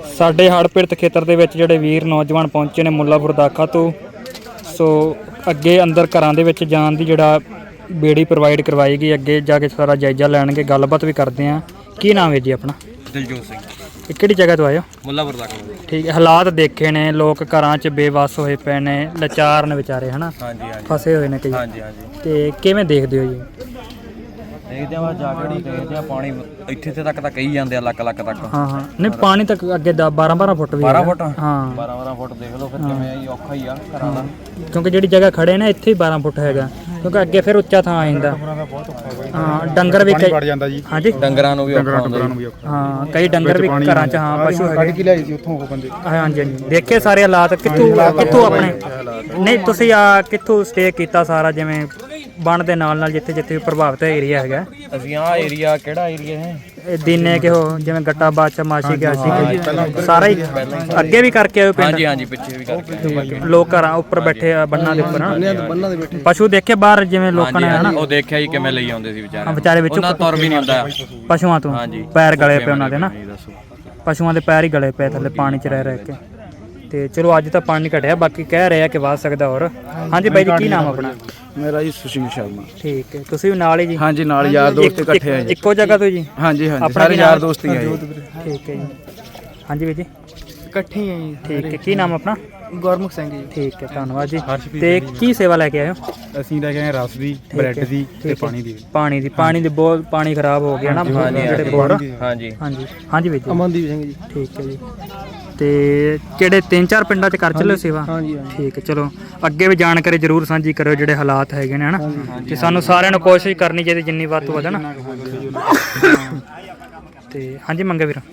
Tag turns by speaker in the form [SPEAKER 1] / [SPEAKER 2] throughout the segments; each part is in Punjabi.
[SPEAKER 1] ਸਾਡੇ ਹੜ੍ਹ ਪੀੜਤ ਖੇਤਰ ਦੇ ਵਿੱਚ ਜਿਹੜੇ ਵੀਰ ਨੌਜਵਾਨ ਪਹੁੰਚੇ ਨੇ ਮੁੱਲਾਪੁਰ ਦਾਖਾ ਤੋਂ। ਸੋ ਅੱਗੇ ਅੰਦਰ ਘਰਾਂ ਦੇ ਵਿੱਚ ਜਾਣ ਦੀ ਜਿਹੜਾ ਬੇੜੀ ਪ੍ਰੋਵਾਈਡ ਕਰਵਾਈ ਗਈ। ਅੱਗੇ ਜਾ ਕੇ ਸਾਰਾ ਜਾਇਜ਼ਾ ਲੈਣਗੇ, ਗੱਲਬਾਤ ਵੀ ਕਰਦੇ ਹਾਂ। ਕੀ ਨਾਮ ਹੈ ਜੀ ਆਪਣਾ?
[SPEAKER 2] ਦਿਲਜੋਤ ਸਿੰਘ।
[SPEAKER 1] ਇਹ ਕਿਹੜੀ ਜਗ੍ਹਾ ਤੋਂ ਆਏ ਹੋ?
[SPEAKER 2] ਮੁੱਲਾਪੁਰ ਦਾਖਾ।
[SPEAKER 1] ਠੀਕ ਹੈ। ਹਾਲਾਤ ਦੇਖੇ ਨੇ, ਲੋਕ ਘਰਾਂ 'ਚ ਬੇਵੱਸ ਹੋਏ ਪਏ ਨੇ, ਲਾਚਾਰ ਨੇ ਵਿਚਾਰੇ, ਹੈ ਨਾ?
[SPEAKER 2] ਹਾਂਜੀ ਹਾਂਜੀ,
[SPEAKER 1] ਫਸੇ ਹੋਏ ਨੇ ਕਈ।
[SPEAKER 2] ਹਾਂਜੀ ਹਾਂਜੀ।
[SPEAKER 1] ਤੇ ਕਿਵੇਂ ਦੇਖਦੇ ਹੋ ਜੀ?
[SPEAKER 2] ਦੇਖਦੇ ਆ ਜਾ ਕੇ ਦੇਖਦੇ ਆ, ਪਾਣੀ ਇੱਥੇ ਤੱਕ ਤਾਂ ਕਹੀ ਜਾਂਦੇ ਆ, ਲੱਕ ਤੱਕ।
[SPEAKER 1] ਹਾਂ ਹਾਂ, ਨਹੀਂ ਪਾਣੀ ਤੱਕ ਅੱਗੇ 12 ਫੁੱਟ ਵੀ
[SPEAKER 2] 12 ਫੁੱਟ।
[SPEAKER 1] ਹਾਂ
[SPEAKER 2] 12 ਫੁੱਟ ਦੇਖ ਲਓ ਫਿਰ ਕਿਵੇਂ ਆ ਜੀ, ਔਖਾ ਹੀ ਆ ਘਰਾਂ ਦਾ।
[SPEAKER 1] ਕਿਉਂਕਿ ਜਿਹੜੀ ਜਗ੍ਹਾ ਖੜੇ ਨੇ ਇੱਥੇ ਹੀ 12 ਫੁੱਟ ਹੈਗਾ, ਕਿਉਂਕਿ ਅੱਗੇ ਫਿਰ ਉੱਚਾ ਥਾਂ ਆ ਜਾਂਦਾ। ਹਾਂ, ਡੰਗਰ ਵੀ
[SPEAKER 3] ਵੜ ਜਾਂਦਾ ਜੀ।
[SPEAKER 1] ਹਾਂਜੀ,
[SPEAKER 2] ਡੰਗਰਾਂ ਨੂੰ ਵੀ ਔਖਾ ਹੁੰਦਾ।
[SPEAKER 1] ਹਾਂ, ਕਈ ਡੰਗਰ ਵੀ ਘਰਾਂ 'ਚ, ਹਾਂ, ਪਸ਼ੂ ਹੈਗੇ।
[SPEAKER 3] ਕੀ ਲਿਆਈ ਸੀ ਉੱਥੋਂ ਉਹ ਬੰਦੇ?
[SPEAKER 1] ਹਾਂਜੀ ਹਾਂਜੀ, ਦੇਖੇ ਸਾਰੇ ਹਾਲਾਤ। ਕਿੱਥੋਂ ਆਪਣੇ ਨਹੀਂ ਤੁਸੀਂ ਕਿੱਥੋਂ ਸਟੇ ਕੀਤਾ ਸਾਰਾ, ਜਿਵੇਂ ਬਣ ਦੇ ਨਾਲ ਜਿੱਥੇ ਜਿੱਥੇ ਪ੍ਰਭਾਵਿਤ ਏਰੀਆ ਹੈਗਾ?
[SPEAKER 2] ਅਸੀਂ ਆਹ ਏਰੀਆ, ਕਿਹੜਾ ਏਰੀਆ ਹੈ
[SPEAKER 1] ਇਹ ਦਿਨੇ ਕਿ ਉਹ ਜਿਵੇਂ ਗੱਟਾ ਬਾਦਸ਼ਾਹ ਮਾਸ਼ੀ ਗਿਆ ਸੀ, ਸਾਰਾ ਹੀ ਅੱਗੇ ਵੀ ਕਰਕੇ ਆਏ ਪਿੰਡ?
[SPEAKER 2] ਹਾਂਜੀ ਹਾਂਜੀ, ਪਿੱਛੇ ਵੀ ਕਰਕੇ।
[SPEAKER 1] ਲੋਕ ਘਰਾਂ ਉੱਪਰ ਬੈਠੇ ਆ, ਬੰਨਾਂ ਦੇ ਉੱਪਰ ਪਸ਼ੂ ਦੇਖੇ ਬਾਹਰ, ਜਿਵੇਂ ਲੋਕਾਂ ਨੇ, ਹਨਾ?
[SPEAKER 2] ਉਹ ਦੇਖਿਆ ਜੀ ਕਿਵੇਂ ਲਈ ਆਉਂਦੇ ਸੀ
[SPEAKER 1] ਵਿਚਾਰੇ ਵਿੱਚੋਂ
[SPEAKER 2] ਉਹਨਾਂ ਤੁਰ ਵੀ ਨਹੀਂ ਹੁੰਦਾ
[SPEAKER 1] ਪਸ਼ੂਆਂ ਤੋਂ। ਪੈਰ ਗਲੇ ਪਏ ਉਹਨਾਂ ਦੇ ਨਾ, ਪਸ਼ੂਆਂ ਦੇ ਪੈਰ ਹੀ ਗਲੇ ਪਏ ਥੱਲੇ ਪਾਣੀ 'ਚ ਰਹਿ ਕੇ। ਤੇ ਚਲੋ ਅੱਜ ਤਾਂ ਪਾਣੀ ਘਟਿਆ, ਬਾਕੀ ਕਹਿ ਰਹੇ ਆ ਕਿ ਵਧ ਸਕਦਾ ਹੋਰ। ਹਾਂਜੀ ਬਾਈ ਜੀ, ਕੀ ਨਾਮ ਆਪਣਾ?
[SPEAKER 3] ਮੇਰਾ ਜੀ ਸੁਸ਼ੀਲ ਸ਼ਰਮਾ।
[SPEAKER 1] ਠੀਕ ਹੈ, ਤੁਸੀਂ ਵੀ ਨਾਲ ਹੀ ਜੀ?
[SPEAKER 3] ਹਾਂਜੀ, ਨਾਲ ਯਾਰ ਦੋਸਤ ਇਕੱਠੇ ਆ ਜੀ।
[SPEAKER 1] ਇੱਕੋ ਜਗ੍ਹਾ ਤੋਂ ਜੀ?
[SPEAKER 3] ਹਾਂਜੀ ਹਾਂਜੀ, ਸਾਰੇ ਯਾਰ ਦੋਸਤ ਹੀ ਆ ਜੀ।
[SPEAKER 1] ਠੀਕ ਹੈ ਜੀ। ਹਾਂਜੀ ਵੀਰ ਜੀ,
[SPEAKER 4] ਇਕੱਠੇ ਹੀ ਆ ਜੀ।
[SPEAKER 1] ਠੀਕ ਹੈ। ਕੀ ਨਾਮ ਆਪਣਾ?
[SPEAKER 4] ਗੁਰਮੁਖ ਸਿੰਘ ਜੀ।
[SPEAKER 1] ਠੀਕ ਹੈ, ਧੰਨਵਾਦ ਜੀ। ਤੇ ਕੀ ਸੇਵਾ ਲੈ ਕੇ ਆਏ ਹੋ?
[SPEAKER 3] ਅਸੀਂ ਲੈ ਕੇ ਆਏ ਰਸ ਦੀ, ਬ੍ਰੈਡ ਦੀ ਤੇ ਪਾਣੀ ਦੀ। ਪਾਣੀ
[SPEAKER 1] ਦੀ ਬਹੁਤ ਪਾਣੀ ਖਰਾਬ ਹੋ ਗਿਆ ਨਾ ਜਿਹੜੇ ਬੋਰ।
[SPEAKER 2] ਹਾਂਜੀ
[SPEAKER 1] ਹਾਂਜੀ ਹਾਂਜੀ ਵੀਰ ਜੀ।
[SPEAKER 4] ਅਮਨਦੀਪ ਸਿੰਘ ਜੀ।
[SPEAKER 1] ਠੀਕ ਹੈ ਜੀ। ਤੇ ਕਿਹੜੇ 3-4 ਪਿੰਡਾਂ 'ਚ ਕਰ ਚੱਲੇ ਸੇਵਾ?
[SPEAKER 4] ਹਾਂਜੀ
[SPEAKER 1] ਠੀਕ ਹੈ, ਚਲੋ ਅੱਗੇ ਵੀ ਜਾਣਕਾਰੀ ਜ਼ਰੂਰ ਸਾਂਝੀ ਕਰਿਓ ਜਿਹੜੇ ਹਾਲਾਤ ਹੈਗੇ ਨੇ, ਹਨਾ? ਤੇ ਸਾਨੂੰ ਸਾਰਿਆਂ ਨੂੰ ਕੋਸ਼ਿਸ਼ ਕਰਨੀ ਚਾਹੀਦੀ ਜਿੰਨੀ ਵੱਧ ਤੋਂ ਵੱਧ, ਨਾ? ਤੇ ਹਾਂਜੀ ਮੰਗੇ ਵੀਰ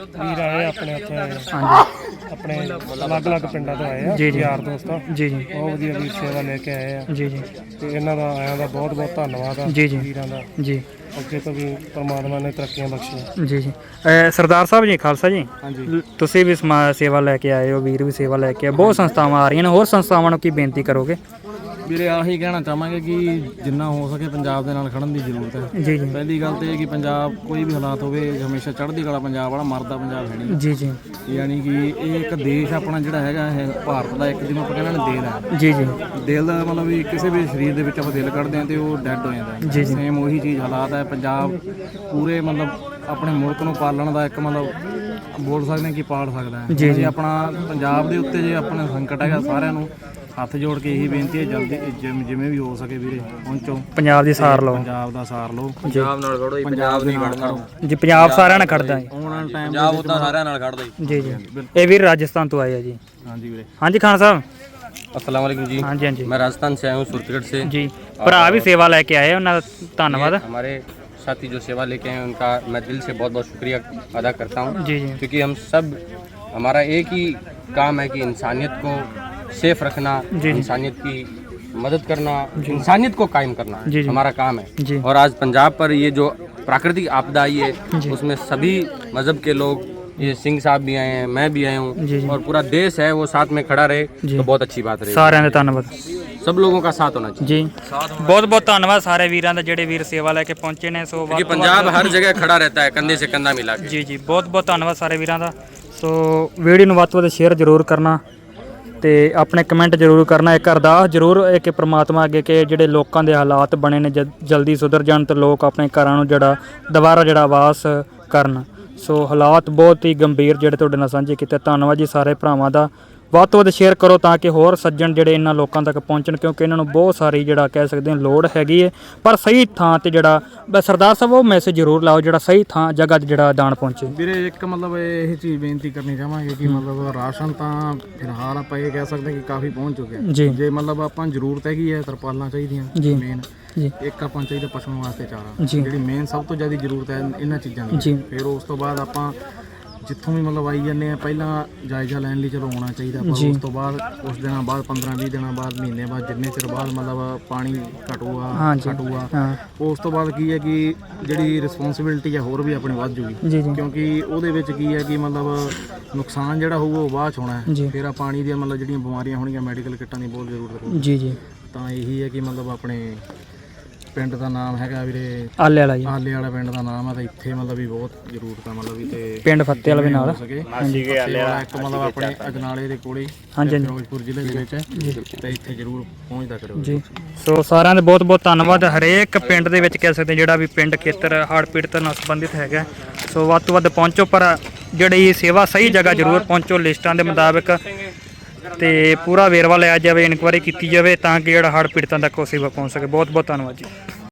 [SPEAKER 4] ਆਏ ਆਪਣੇ ਉੱਥੇ,
[SPEAKER 1] ਹਾਂਜੀ,
[SPEAKER 4] ਆਪਣੇ ਅਲੱਗ-ਅਲੱਗ ਪਿੰਡਾਂ ਤੋਂ ਆਏ ਆ
[SPEAKER 1] ਜੀ ਜੀ,
[SPEAKER 4] ਯਾਰ ਦੋਸਤਾਂ।
[SPEAKER 1] ਜੀ ਜੀ,
[SPEAKER 4] ਬਹੁਤ ਵਧੀਆ ਵੀਰ ਸੇਵਾ ਲੈ ਕੇ ਆਏ ਆ।
[SPEAKER 1] ਜੀ ਜੀ,
[SPEAKER 4] ਤੇ ਇਹਨਾਂ ਦਾ ਆਇਆਂ ਦਾ ਬਹੁਤ ਬਹੁਤ ਧੰਨਵਾਦ ਆ
[SPEAKER 1] ਜੀ ਜੀ,
[SPEAKER 4] ਵੀਰਾਂ ਦਾ।
[SPEAKER 1] ਜੀ
[SPEAKER 4] ਅੱਗੇ ਤੋਂ ਵੀ ਪਰਮਾਤਮਾ ਨੇ ਤਰੱਕੀਆਂ ਬਖਸ਼ੀਆਂ।
[SPEAKER 1] ਜੀ ਜੀ। ਸਰਦਾਰ ਸਾਹਿਬ ਜੀ, ਖਾਲਸਾ ਜੀ,
[SPEAKER 4] ਹਾਂਜੀ।
[SPEAKER 1] ਤੁਸੀਂ ਵੀ ਸੇਵਾ ਲੈ ਕੇ ਆਏ ਹੋ, ਵੀਰ ਵੀ ਸੇਵਾ ਲੈ ਕੇ ਆਏ। ਬਹੁਤ ਸੰਸਥਾਵਾਂ ਆ ਰਹੀਆਂ ਨੇ, ਹੋਰ ਸੰਸਥਾਵਾਂ ਨੂੰ ਕੀ ਬੇਨਤੀ ਕਰੋਗੇ?
[SPEAKER 4] ਵੀਰੇ ਆਹੀ ਕਹਿਣਾ ਚਾਹਾਂਗੇ ਕਿ ਜਿੰਨਾ ਹੋ ਸਕੇ ਪੰਜਾਬ ਦੇ ਨਾਲ ਖੜਨ ਦੀ ਜ਼ਰੂਰਤ ਹੈ।
[SPEAKER 1] ਜੀ ਜੀ,
[SPEAKER 4] ਪਹਿਲੀ ਗੱਲ ਤੇ ਇਹ ਕਿ ਪੰਜਾਬ ਕੋਈ ਵੀ ਹਾਲਾਤ ਹੋਵੇ, ਹਮੇਸ਼ਾ ਚੜ੍ਹਦੀ ਕਲਾ ਪੰਜਾਬ ਵਾਲਾ, ਮਰਦਾ ਪੰਜਾਬ ਹੈ ਨਹੀਂ।
[SPEAKER 1] ਜੀ ਜੀ,
[SPEAKER 4] ਯਾਨੀ ਕਿ ਇਹ ਇੱਕ ਦੇਸ਼ ਆਪਣਾ ਜਿਹੜਾ ਹੈਗਾ ਇਹ ਭਾਰਤ ਦਾ ਇੱਕ, ਜਿਹਨੂੰ ਆਪਾਂ ਕਹਿੰਦੇ ਨੇ ਦਿਲ ਹੈ।
[SPEAKER 1] ਜੀ ਜੀ,
[SPEAKER 4] ਦਿਲ ਦਾ ਮਤਲਬ ਵੀ ਕਿਸੇ ਵੀ ਸਰੀਰ ਦੇ ਵਿੱਚ ਆਪਾਂ ਦਿਲ ਕੱਢਦੇ ਹਾਂ ਤੇ ਉਹ ਡੈੱਡ ਹੋ ਜਾਂਦਾ
[SPEAKER 1] ਜੀ
[SPEAKER 4] ਹੈ।
[SPEAKER 1] ਜੀ,
[SPEAKER 4] ਸੇਮ ਉਹੀ ਚੀਜ਼ ਹਾਲਾਤ ਹੈ ਪੰਜਾਬ ਪੂਰੇ ਮਤਲਬ ਆਪਣੇ ਮੁਲਕ ਨੂੰ ਪਾਲਣ ਦਾ ਇੱਕ ਮਤਲਬ ਬੋਲ ਸਕਦੇ ਹਾਂ ਕਿ ਪਾਲ ਸਕਦਾ ਹੈ।
[SPEAKER 1] ਜੀ ਜੀ,
[SPEAKER 4] ਆਪਣਾ ਪੰਜਾਬ ਦੇ ਉੱਤੇ ਜੇ ਆਪਣਾ ਸੰਕਟ ਹੈਗਾ, ਸਾਰਿਆਂ ਨੂੰ ਹੱਥ ਜੋੜ ਕੇ ਇਹੀ ਬੇਨਤੀ ਹੈ, ਜਲਦੀ ਜਿਵੇਂ ਵੀ ਹੋ ਸਕੇ ਵੀਰੇ ਪਹੁੰਚੋ, ਪੰਜਾਬ ਦੀ ਸਾਰ ਲਓ, ਪੰਜਾਬ ਦਾ ਸਾਰ ਲਓ।
[SPEAKER 2] ਪੰਜਾਬ ਨਾਲ ਖੜੋ ਜੀ, ਪੰਜਾਬ ਨਹੀਂ ਖੜਦਾ
[SPEAKER 1] ਜੀ। ਪੰਜਾਬ ਸਾਰਿਆਂ ਨਾਲ ਖੜਦਾ ਜੀ,
[SPEAKER 4] ਆਉਣ ਵਾਲੇ ਟਾਈਮ
[SPEAKER 2] ਪੰਜਾਬ ਉਦਾਂ ਸਾਰਿਆਂ ਨਾਲ ਖੜਦਾ
[SPEAKER 1] ਜੀ। ਜੀ ਜੀ, ਇਹ ਵੀਰ ਰਾਜਸਥਾਨ ਤੋਂ ਆਏ ਆ ਜੀ।
[SPEAKER 4] ਹਾਂਜੀ ਵੀਰੇ।
[SPEAKER 1] ਹਾਂਜੀ ਖਾਨ ਸਾਹਿਬ।
[SPEAKER 2] अस्सलाम वालेकुम जी।
[SPEAKER 1] हाँ जी, हाँ जी।
[SPEAKER 2] मैं राजस्थान से आया हूँ, सूरतगढ़ से
[SPEAKER 1] जी। भरा भी सेवा लेके आए, उन्होंने धन्यवाद।
[SPEAKER 2] हमारे साथी जो सेवा लेके आए उनका मैं दिल से बहुत बहुत शुक्रिया अदा करता हूँ।
[SPEAKER 1] जी जी,
[SPEAKER 2] क्योंकि हम सब, हमारा एक ही काम है कि इंसानियत को सेफ रखना, इंसानियत की मदद करना, इंसानियत को कायम करना हमारा काम है जी। और आज पंजाब पर ये जो प्राकृतिक आपदा आई है उसमें सभी मज़हब के लोग, ये सिंह साहब भी आए हैं, मैं भी आया हूँ, और पूरा देश है वो साथ में खड़ा रहे तो बहुत अच्छी बात रही।
[SPEAKER 1] सारे ने धन्यवाद,
[SPEAKER 2] सब लोगों का साथ होना चाहिए
[SPEAKER 1] जी। बहुत बहुत धन्यवाद सारे वीरां दा जेडे वीर सेवा लेके पहुंचे ने। सो
[SPEAKER 2] क्योंकि पंजाब हर जगह खड़ा रहता है कंधे से कंधा मिला के।
[SPEAKER 1] जी जी, बहुत बहुत धन्यवाद सारे वीरां दा। सो वीडियो ਨੂੰ ਵੱਧ ਤੋਂ ਵੱਧ ਸ਼ੇਅਰ ਜ਼ਰੂਰ ਕਰਨਾ ਤੇ ਆਪਣੇ ਕਮੈਂਟ ਜ਼ਰੂਰ ਕਰਨਾ। ਇੱਕ ਅਰਦਾਸ ਜ਼ਰੂਰ ਹੈ ਕਿ ਪ੍ਰਮਾਤਮਾ ਅੱਗੇ ਕਿ ਜਿਹੜੇ ਲੋਕਾਂ ਦੇ ਹਾਲਾਤ ਬਣੇ ਨੇ ਜਲਦੀ ਸੁਧਰ ਜਾਣ ਤੇ ਲੋਕ ਆਪਣੇ ਘਰਾਂ ਨੂੰ ਜਿਹੜਾ ਦੁਬਾਰਾ ਜਿਹੜਾ ਆਵਾਸ ਕਰਨ। ਸੋ ਹਾਲਾਤ ਬਹੁਤ ਹੀ ਗੰਭੀਰ ਜਿਹੜੇ ਤੁਹਾਡੇ ਨਾਲ ਸਾਂਝੇ ਕੀਤੇ। ਧੰਨਵਾਦ ਜੀ ਸਾਰੇ ਭਰਾਵਾਂ ਦਾ। ਵੱਧ ਤੋਂ ਵੱਧ ਸ਼ੇਅਰ ਕਰੋ ਤਾਂ ਕਿ ਹੋਰ ਸੱਜਣ ਜਿਹੜੇ ਇਹਨਾਂ ਲੋਕਾਂ ਤੱਕ ਪਹੁੰਚਣ, ਕਿਉਂਕਿ ਇਹਨਾਂ ਨੂੰ ਬਹੁਤ ਸਾਰੀ ਜਿਹੜਾ ਕਹਿ ਸਕਦੇ ਹਾਂ ਲੋੜ ਹੈਗੀ ਹੈ, ਪਰ ਸਹੀ ਥਾਂ ਤੇ ਜਿਹੜਾ ਸਰਦਾਰ ਸਾਹਿਬ ਉਹ ਮੈਸੇਜ ਜ਼ਰੂਰ ਲਾਓ ਜਿਹੜਾ ਸਹੀ ਥਾਂ ਜਗ੍ਹਾ 'ਤੇ ਜਿਹੜਾ ਦਾਨ ਪਹੁੰਚੇ।
[SPEAKER 4] ਵੀਰੇ ਇੱਕ ਮਤਲਬ ਇਹ ਚੀਜ਼ ਬੇਨਤੀ ਕਰਨੀ ਚਾਹਾਂਗੇ ਕਿ ਮਤਲਬ ਰਾਸ਼ਨ ਤਾਂ ਫਿਲਹਾਲ ਆਪਾਂ ਇਹ ਕਹਿ ਸਕਦੇ ਕਿ ਕਾਫੀ ਪਹੁੰਚ ਚੁੱਕਿਆ
[SPEAKER 1] ਜੀ।
[SPEAKER 4] ਜੇ ਮਤਲਬ ਆਪਾਂ ਜ਼ਰੂਰਤ ਹੈਗੀ ਹੈ ਤਰਪਾਲਾਂ ਚਾਹੀਦੀਆਂ
[SPEAKER 1] ਜੀ
[SPEAKER 4] ਮੇਨ
[SPEAKER 1] ਜੀ,
[SPEAKER 4] ਇੱਕ ਆਪਾਂ ਚਾਹੀਦਾ ਪਸ਼ੂਆਂ ਵਾਸਤੇ ਚਾਰਾ,
[SPEAKER 1] ਜੀ।
[SPEAKER 4] ਜਿਹੜੀ ਮੇਨ ਸਭ ਤੋਂ ਜ਼ਿਆਦਾ ਜ਼ਰੂਰਤ ਹੈ ਇਹਨਾਂ ਚੀਜ਼ਾਂ ਦੀ।
[SPEAKER 1] ਜੀ।
[SPEAKER 4] ਫਿਰ ਉਸ ਤੋਂ ਬਾਅਦ ਆਪਾਂ ਜਿੱਥੋਂ ਵੀ ਮਤਲਬ ਆਈ ਜਾਂਦੇ ਆ ਪਹਿਲਾਂ ਜਾਇਜ਼ਾ ਲੈਣ ਲਈ ਚਲੋ ਆਉਣਾ ਚਾਹੀਦਾ, ਪਰ ਉਸ ਤੋਂ ਬਾਅਦ ਕੁਛ ਦਿਨਾਂ ਬਾਅਦ 15-20 ਦਿਨਾਂ ਬਾਅਦ ਮਹੀਨੇ ਬਾਅਦ ਜਿੰਨੇ ਚਿਰ ਬਾਅਦ ਮਤਲਬ ਪਾਣੀ ਘਟੂਗਾ ਉਸ ਤੋਂ ਬਾਅਦ ਕੀ ਹੈ ਕਿ ਜਿਹੜੀ ਰਿਸਪੌਂਸਿਬਿਲਟੀ ਹੈ ਹੋਰ ਵੀ ਆਪਣੀ ਵੱਧ ਜੂਗੀ, ਕਿਉਂਕਿ ਉਹਦੇ ਵਿੱਚ ਕੀ ਹੈ ਕਿ ਮਤਲਬ ਨੁਕਸਾਨ ਜਿਹੜਾ ਹੋਊਗਾ ਉਹ ਬਾਅਦ 'ਚ ਹੋਣਾ ਹੈ। ਫਿਰ ਆ ਪਾਣੀ ਦੀਆਂ ਮਤਲਬ ਜਿਹੜੀਆਂ ਬਿਮਾਰੀਆਂ ਹੋਣਗੀਆਂ ਮੈਡੀਕਲ ਕਿੱਟਾਂ ਦੀ ਬਹੁਤ ਜ਼ਰੂਰਤ ਹੋਊਗੀ। ਜੀ ਜੀ, ਤਾਂ ਇਹੀ ਹੈ ਕਿ ਮਤਲਬ ਆਪਣੇ ਪਿੰਡ ਦਾ ਨਾਮ ਹੈਗਾ ਵੀਰੇ
[SPEAKER 1] ਆਲੇ ਵਾਲਾ ਜੀ,
[SPEAKER 4] ਆਲੇ ਵਾਲਾ ਪਿੰਡ ਦਾ ਨਾਮ ਆ। ਤੇ ਇੱਥੇ ਮਤਲਬ ਵੀ ਬਹੁਤ ਜ਼ਰੂਰਤ ਆ ਮਤਲਬ ਵੀ ਤੇ
[SPEAKER 1] ਪਿੰਡ ਫੱਤੇ ਵਾਲਾ ਵੀ ਨਾਲ।
[SPEAKER 4] ਹਾਂਜੀ ਆਲੇ ਵਾਲਾ ਇੱਕ ਮਤਲਬ ਆਪਣੇ ਅਜਨਾਲੇ ਦੇ ਕੋਲੇ
[SPEAKER 1] ਹਾਂਜੀ
[SPEAKER 4] ਫਿਰੋਜ਼ਪੁਰ ਜ਼ਿਲ੍ਹੇ ਦੇ ਵਿੱਚ, ਤੇ ਇੱਥੇ ਜ਼ਰੂਰ ਪਹੁੰਚਦਾ ਕਰੋ
[SPEAKER 1] ਜੀ। ਸੋ ਸਾਰਿਆਂ ਦਾ ਬਹੁਤ ਬਹੁਤ ਧੰਨਵਾਦ। ਹਰੇਕ ਪਿੰਡ ਦੇ ਵਿੱਚ ਕਹਿ ਸਕਦੇ ਜਿਹੜਾ ਵੀ ਪਿੰਡ ਖੇਤਰ ਹੜ੍ਹ ਪੀੜਤ ਨਾਲ ਸੰਬੰਧਿਤ ਹੈਗਾ, ਸੋ ਵੱਧ ਤੋਂ ਵੱਧ ਪਹੁੰਚੋ, ਪਰ ਜਿਹੜੀ ਸੇਵਾ ਸਹੀ ਜਗ੍ਹਾ ਜ਼ਰੂਰ ਪਹੁੰਚੋ ਲਿਸਟਾਂ ਦੇ ਮੁਤਾਬਕ, ਤੇ ਪੂਰਾ ਵੇਰਵਾ ਲਿਆ ਜਾਵੇ, ਇਨਕੁਆਇਰੀ ਕੀਤੀ ਜਾਵੇ ਤਾਂ ਕਿ ਜਿਹੜਾ ਹੜ੍ਹ ਪੀੜਤਾਂ ਤੱਕ ਉਹ ਸੇਵਾ ਪਹੁੰਚ ਸਕੇ। ਬਹੁਤ ਬਹੁਤ ਧੰਨਵਾਦ ਜੀ।